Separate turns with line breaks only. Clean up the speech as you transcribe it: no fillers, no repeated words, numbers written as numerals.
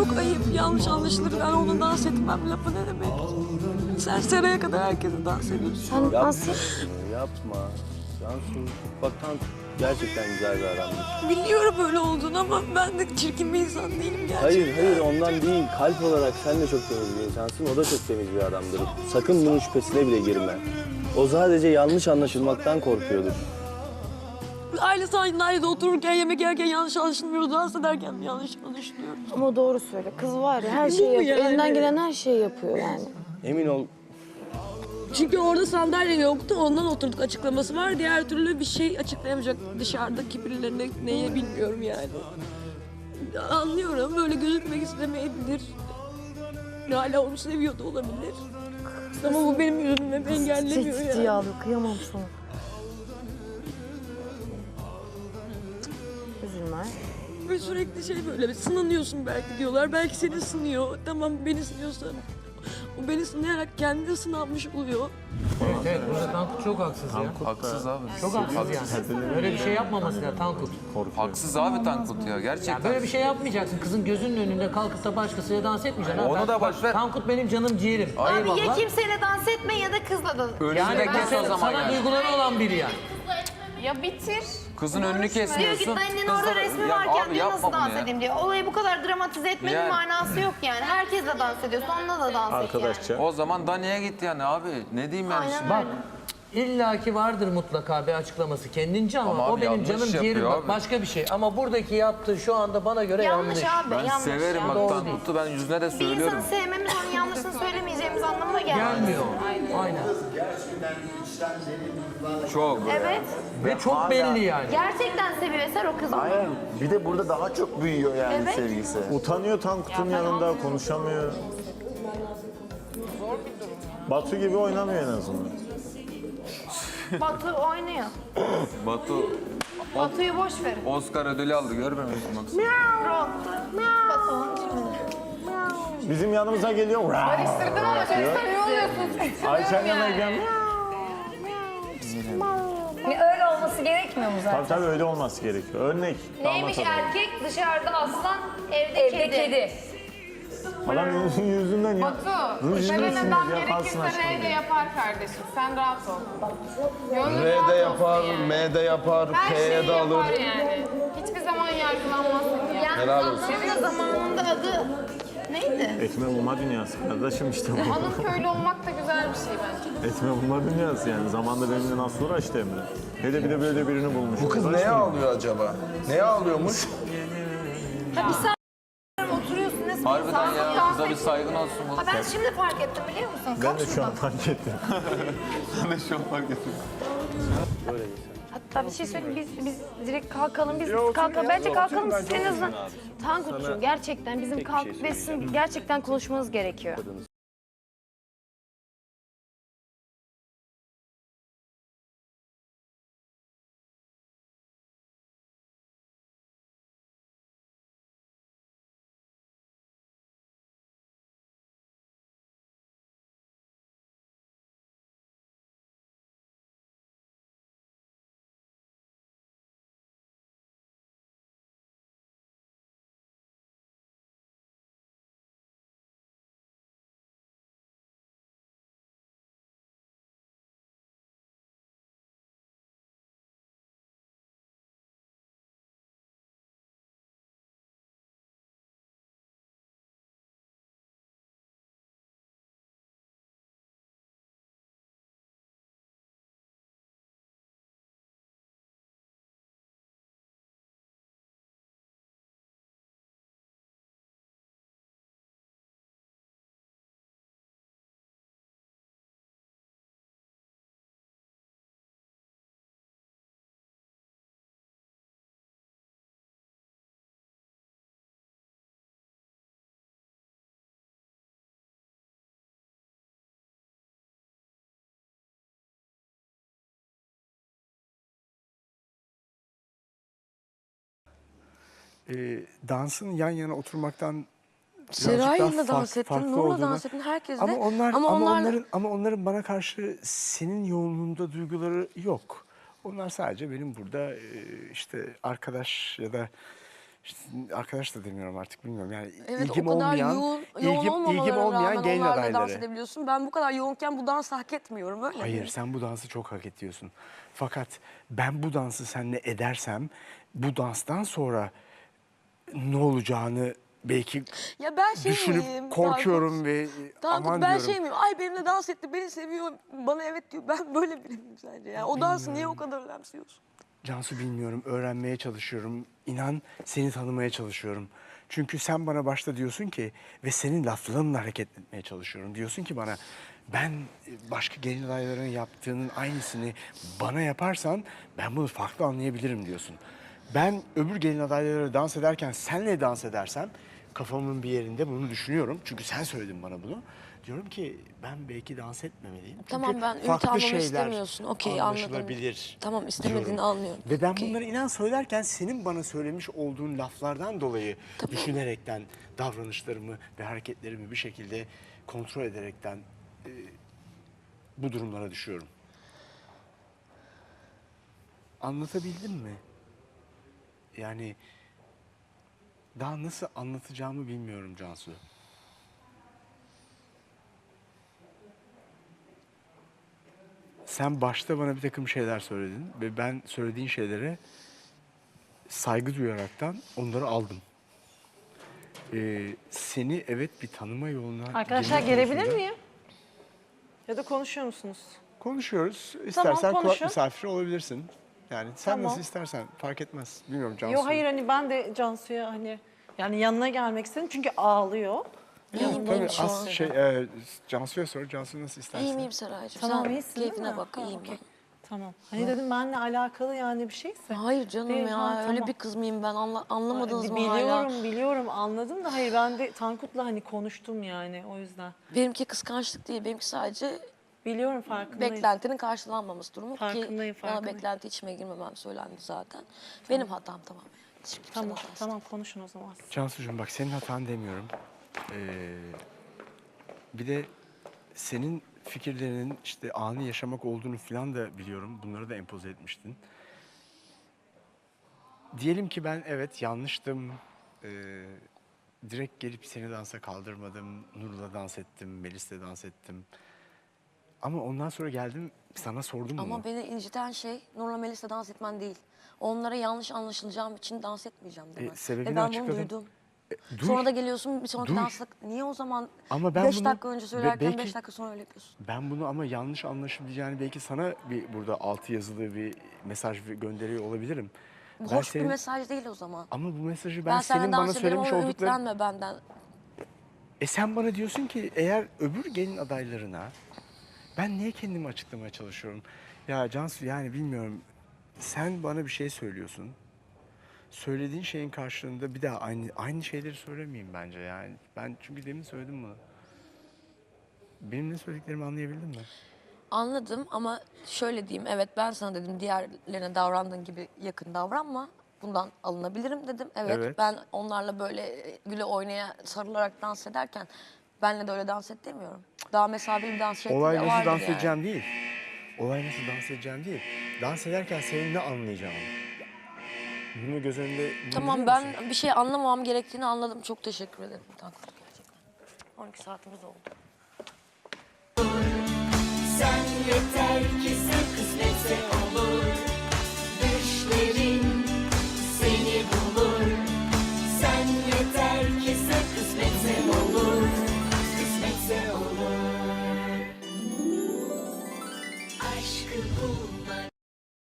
çok ayıp, yanlış anlaşılır. Ben onu dans etmem lafı ne demek? Sen Seray'a kadar herkese dans ediyorsun.
Sen nasıl?
Yapma. Cansu, bak Tanku gerçekten güzel bir adamdır.
Biliyorum öyle olduğunu ama ben de çirkin bir insan değilim gerçekten.
Hayır ondan değil. Kalp olarak sen de çok temiz bir insansın. O da çok temiz bir adamdır. Sakın bunun şüphesine bile girme. O sadece yanlış anlaşılmaktan korkuyordur.
Ailesi aynı ailede otururken, yemek yerken yanlış anlaşılmıyor. Dans ederken mi yanlış anlaşılıyor?
Ama doğru söyle. Kız var ya her
Değil
şeyi
mi
yapıyor.
yani?
Elinden gelen her şeyi yapıyor yani.
Emin ol.
Çünkü orada sandalye yoktu, ondan oturduk açıklaması var. Diğer türlü bir şey açıklayamayacak dışarıdaki birilerine neye bilmiyorum yani. Anlıyorum, böyle gözükmek istemeyebilir. Hala onu seviyor da olabilir. Ama bu benim yüzümü engellemiyor
Ciddi
yani.
ağlıyor. Kıyamam sana. Üzülme.
Ve sürekli şey böyle bir sınanıyorsun belki diyorlar. Belki seni sınıyor. Tamam beni sınıyorsa o beni sınayarak kendi sınanmış oluyor.
Evet, burada Tankut çok haksız ya.
Haksız abi.
Çok haksız yani. Böyle bir şey yapmaması ya Tankut.
Haksız abi Tankut ya
Ya
gerçekten.
böyle bir şey yapmayacaksın. Kızın gözünün önünde kalkıp da başkasıyla dans etmeyeceksin.
Onu da boş ver.
Tankut benim canım ciğerim.
Abi ya kimseyle dans etme ya da kızla da.
Önünde kes o zaman
Sana
yani.
duyguları olan biri yani.
Ya bitir.
Kızın önünü
Diyor
kesmiyorsun.
git annen
Kız
orada
da-
resmi
Ya
varken
abi
diyor
yapma
nasıl
bunu
dans
ya.
edeyim diyor. Olayı bu kadar dramatize etmenin
Yani.
manası yok yani. Herkesle dans ediyorsun, onunla da dans et yani.
O zaman Dani'ye git yani abi. Ne diyeyim yani
Aynen
şimdi?
Bak illaki vardır mutlaka bir açıklaması kendince ama,
Ama
o
abi
benim
yanlış
canım
yapıyor
ciğerim bak
abi.
başka bir şey. Ama buradaki yaptığı şu anda bana göre yanlış.
Yanlış abi,
Ben
yanlış
severim
ya.
bak
Doğru
Tankut'u ben yüzüne de
Bir
söylüyorum.
insanı sevmemiz onun yanlışını söylemeyeceğimiz anlamına gelmez.
Gelmiyor. Aynen.
Çok.
Evet.
Ve çok belli yani.
Gerçekten seviyor Eser o kızı.
Aynen. Bir de burada daha çok büyüyor yani
Evet.
sevgisi.
Utanıyor Tankut'un yanında, konuşamıyor. Batu gibi oynamıyor en azından.
Batu oynuyor.
Batu
Batu'yu boş verin.
Oscar ödülü aldı görmüyor musun bak.
Batu'nun şimdi.
Bizim yanımıza geliyor.
Barıştırdım ama çok samimi oluyorsunuz.
Ayşen yanına gidiyorum.
Öyle olması gerekmiyor mu zaten?
Tabii olması olması gerekiyor. Örnek.
Neymiş
damat adayı.
erkek dışarıda aslan, evde kedi.
Adam yüzünden ya. Ruj
Sevenen
yüzünden
adam
yaparsın
gerekirse R de
aşkım.
yapar kardeşim. Sen rahat ol. Gönlün
R
rahat
de
olsun
yapar,
yani.
M de yapar,
Her
K'ye
şeyi
de alır.
yapar yani. Hiçbir zaman yargılanmazsın yani.
Helal olsun.
Senin de zamanında adı neydi?
Ekme bulma dünyası kardeşim işte bu.
Hanım köylü olmak da güzel bir şey bence.
Ekme bulma dünyası yani. Zamanında benimle nasıl uğraştı Emre. Bir de böyle birini bulmuş.
Bu kız neye ağlıyor acaba? Neye ağlıyormuş?
Oturuyorsun ne
Harbiden ya kıza bir saygın olsun bu.
Ha ben şimdi fark ettim biliyor musun?
Ben de şu an fark ettim.
Ben de şu an fark ettim.
Hatta bir şey söyleyeyim biz direkt kalkalım biz kalkalım. Bence kalkalım siz en azından. Tankut'cum gerçekten bizim kalkıp ve sizin gerçekten konuşmanız gerekiyor.
Dansın yan yana oturmaktan
Seray'la dans ettin, Nur'la dans ettin, herkesle.
Ama onların bana karşı senin yoğunluğunda duyguları yok. Onlar sadece benim burada işte arkadaş ya da işte arkadaş da demiyorum artık bilmiyorum yani
Evet
ilgim
o kadar
olmayan,
yoğun
ilgim
olmamalarına
olmayan
rağmen
gelin
onlarla dans
adayları.
edebiliyorsun. Ben bu kadar yoğunken bu dansı hak etmiyorum öyle
Hayır
mi?
sen bu dansı çok hak ediyorsun. Fakat ben bu dansı seninle edersem bu danstan sonra ne olacağını belki
Ya ben şey
düşünüp
miyim?
korkuyorum ve
Tankut
aman
ben
diyorum.
şey miyim? Ay benimle dans etti, beni seviyor, bana evet diyor. Ben böyle biri miyim sence? Yani o dansı niye o kadar önemsiyorsun?
Cansu bilmiyorum, öğrenmeye çalışıyorum. İnan seni tanımaya çalışıyorum. Çünkü sen bana başta diyorsun ki ve senin laflarınla hareket etmeye çalışıyorum. Diyorsun ki bana ben başka gelin adaylarının yaptığının aynısını bana yaparsan ben bunu farklı anlayabilirim diyorsun. Ben öbür gelin adayları dans ederken senle dans edersem kafamın bir yerinde bunu düşünüyorum. Çünkü sen söyledin bana bunu. Diyorum ki ben belki dans etmemeliyim. Çünkü
Tamam ben ümit
farklı
almamı
şeyler
istemiyorsun. Okey anladım.
anlaşılabilir.
Tamam istemediğini
diyorum.
anlıyorum.
Ve ben
Okey.
bunları inan söylerken senin bana söylemiş olduğun laflardan dolayı düşünerekten davranışlarımı ve hareketlerimi bir şekilde kontrol ederekten bu durumlara düşüyorum. Anlatabildim mi? Yani daha nasıl anlatacağımı bilmiyorum Cansu. Sen başta bana bir takım şeyler söyledin ve ben söylediğin şeylere saygı duyaraktan onları aldım. Seni evet bir tanıma yoluna...
Arkadaşlar
girme
gelebilir
konusunda
miyim? Ya da konuşuyor musunuz?
Konuşuyoruz. İstersen kulak
konuşun.
misafiri olabilirsin. Yani sen
Tamam.
nasıl istersen fark etmez. Bilmiyorum Cansu.
Yok hayır hani ben de Cansu'ya hani yani yanına gelmek istedim çünkü ağlıyor.
İyiyim
Tabii
iyiyim şu
az
an.
Cansu'ya sor. Cansu nasıl istersen.
İyiyim iyiyim Seraycığım.
Tamam
Sen
iyisin değil
keyfine
mi?
bak
Ha,
iyiyim
okey.
ben.
Tamam. Hani dedim benimle alakalı yani bir şeyse.
Hayır canım
Değil,
ya
ha,
öyle
tamam.
bir kız mıyım ben anlamadınız mı
Biliyorum
hala?
biliyorum anladım da hayır ben de Tankut'la hani konuştum yani o yüzden.
Benimki kıskançlık değil benimki sadece
Biliyorum farkındayım.
beklentinin karşılanmaması durumu ki
Farkındayım,
bana
farkındayım.
beklenti içime girmemem söylendi zaten. Benim hatam tamamen. Hiç kimsenin
Tamam
hatası
tamam konuşun o zaman.
Cansucuğum bak senin hatan demiyorum. Bir de senin fikirlerinin işte anı yaşamak olduğunu falan da biliyorum. Bunları da empoze etmiştin. Diyelim ki ben evet yanlıştım. Direkt gelip seni dansa kaldırmadım. Nur'la dans ettim, Melis'le dans ettim. Ama ondan sonra geldim sana sordum bunu.
Ama beni inciten şey Nurla Melis'le dans etmen değil. Onlara yanlış anlaşılacağım için dans etmeyeceğim demen.
Sebebini
Ve ben
açıkladım.
bunu duydum.
Dur.
Sonra da geliyorsun bir sonraki
Dur.
dansla. Niye o zaman
Ama ben
5
bunu-
dakika önce söylerken
belki-
5 dakika sonra öyle yapıyorsun?
Ben bunu ama yanlış anlaşılacağını belki sana bir burada altı yazılı bir mesaj gönderiyor olabilirim. Ben
Hoş
senin-
bir mesaj değil o zaman.
Ama bu mesajı
Ben
ben
seninle
senin bana
dans ederim
söylemiş
ama
oldukların...
ümitlenme benden.
Sen bana diyorsun ki eğer öbür gelin adaylarına ben niye kendimi açıklamaya çalışıyorum? Ya Cansu yani bilmiyorum. Sen bana bir şey söylüyorsun. Söylediğin şeyin karşılığında bir daha aynı şeyleri söylemeyeyim bence yani. Ben çünkü demin söyledim bunu. Benim ne söylediklerimi anlayabildin mi?
Anladım ama şöyle diyeyim. Evet ben sana dedim diğerlerine davrandığın gibi yakın davranma. Bundan alınabilirim dedim. Evet,
Evet.
ben onlarla böyle güle oynaya sarılarak dans ederken benle de öyle dans et demiyorum. Daha mesafeli bir dans şekli
Olay
de
nasıl
vardır
dans
yani.
edeceğim değil. Olay nasıl dans edeceğim değil. Dans ederken senin ne anlayacağını. Bunu göz önünde bulunduruyor
Tamam ben
musun?
bir şey anlamamam gerektiğini anladım. Çok teşekkür ederim. Tankut gerçekten. 12 saatimiz oldu.
Sen yeter ki sen kısmetse olur.